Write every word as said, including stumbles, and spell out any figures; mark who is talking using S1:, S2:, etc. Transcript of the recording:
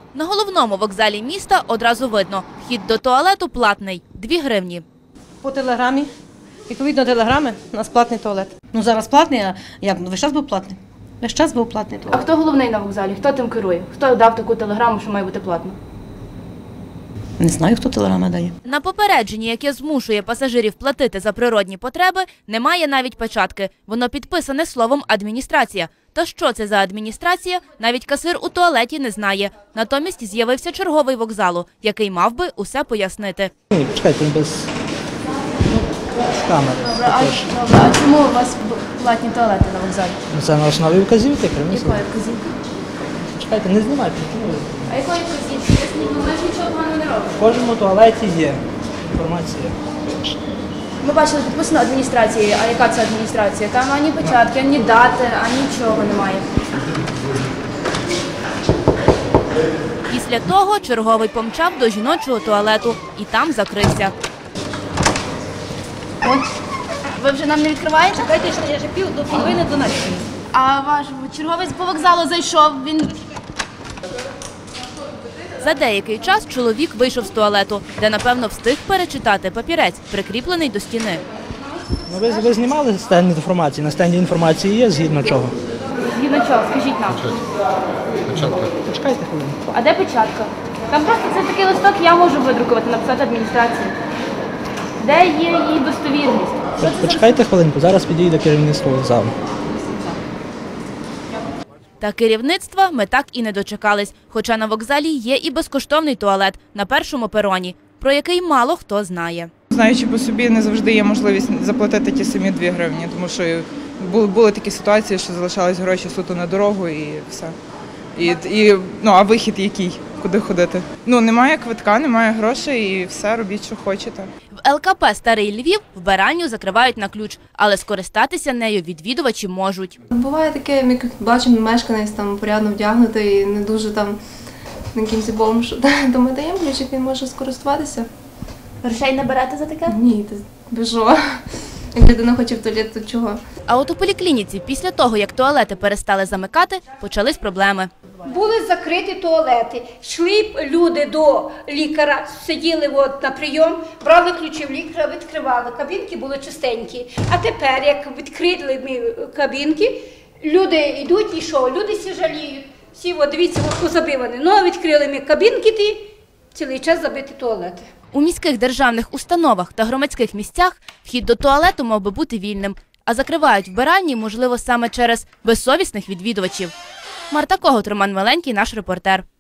S1: На головному вокзалі міста одразу видно – вхід до туалету платний – дві гривні.
S2: По телеграмі. Відповідно телеграми, у нас платний туалет. Ну зараз платний, а як? Ну весь час був платний. Весь час був платний
S3: А
S2: туалет.
S3: хто головний на вокзалі? Хто тим керує? Хто дав таку телеграму, що має бути платно?
S2: Не знаю, хто телеграми дає.
S1: На попередженні, яке змушує пасажирів платити за природні потреби, немає навіть печатки. Воно підписане словом «адміністрація». Та що це за адміністрація, навіть касир у туалеті не знає. Натомість з'явився черговий вокзалу, який мав би усе пояснити.
S4: Ні, почекайте, без з камери.
S3: Добре, а, добре, а чому у вас платні туалети на вокзалі?
S4: Ну, це на основі вказівки, примісно.
S3: Якої вказівки?
S4: Чекайте, не знімайте.
S3: А якої вказівки? Ну, ми ж нічого поганого не робимо.
S4: В кожному туалеті є інформація.
S3: Ми бачили, підписано адміністрації. А яка це адміністрація? Там ані печатки, ані дати, ані нічого немає.
S1: Після того черговий помчав до жіночого туалету і там закрився.
S3: Ось. Ви вже нам не відкриваєте?
S2: Чекайте, що я ще пів до половини до нас.
S3: А ваш черговець по вокзалу зайшов, він...
S1: За деякий час чоловік вийшов з туалету, де, напевно, встиг перечитати папірець, прикріплений до стіни.
S4: Ну, ви, ви знімали стенд інформації? На стенді інформації є, згідно чого?
S3: Згідно чого? Скажіть нам.
S4: Почекайте хвилину.
S3: А де печатка? Там просто це такий листок, я можу видрукувати, написати адміністрації. Де є її достовірність? Що це за...
S4: Почекайте хвилинку, зараз підійде керівництво вокзалу.
S1: Та керівництва ми так і не дочекались, хоча на вокзалі є і безкоштовний туалет на першому пероні, про який мало хто знає.
S5: Знаючи по собі, не завжди є можливість заплатити ті самі дві гривні, тому що були, були такі ситуації, що залишались гроші суто на дорогу і все. І, і, ну, а вихід який? Куди ходити? Ну, немає квитка, немає грошей і все, робіть, що хочете.
S1: В ел ка пе «Старий Львів» вбиральню закривають на ключ, але скористатися нею відвідувачі можуть.
S6: Буває таке, як бачимо, мешканець там порядно вдягнутий і не дуже там якимось бомж, то ми даємо ключик, він може скористуватися.
S3: Грошей не берете за таке?
S6: Ні, ти біжо. Як людина хоче в туалет, то чого?
S1: А от у поліклініці після того, як туалети перестали замикати, почались проблеми.
S7: Були закриті туалети, йшли б люди до лікаря, сиділи от на прийом, брали ключі в лікаря, відкривали, кабінки були чистенькі. А тепер, як відкрили ми кабінки, люди йдуть і що? Люди всі жаліють. Всі, от, дивіться, от позабивані. Ну, відкрили ми кабінки, ті, цілий час забиті туалети.
S1: У міських державних установах та громадських місцях вхід до туалету мав би бути вільним, а закривають вбиральні, можливо, саме через безсовісних відвідувачів. Марта Когут, Роман Миленький, наш репортер.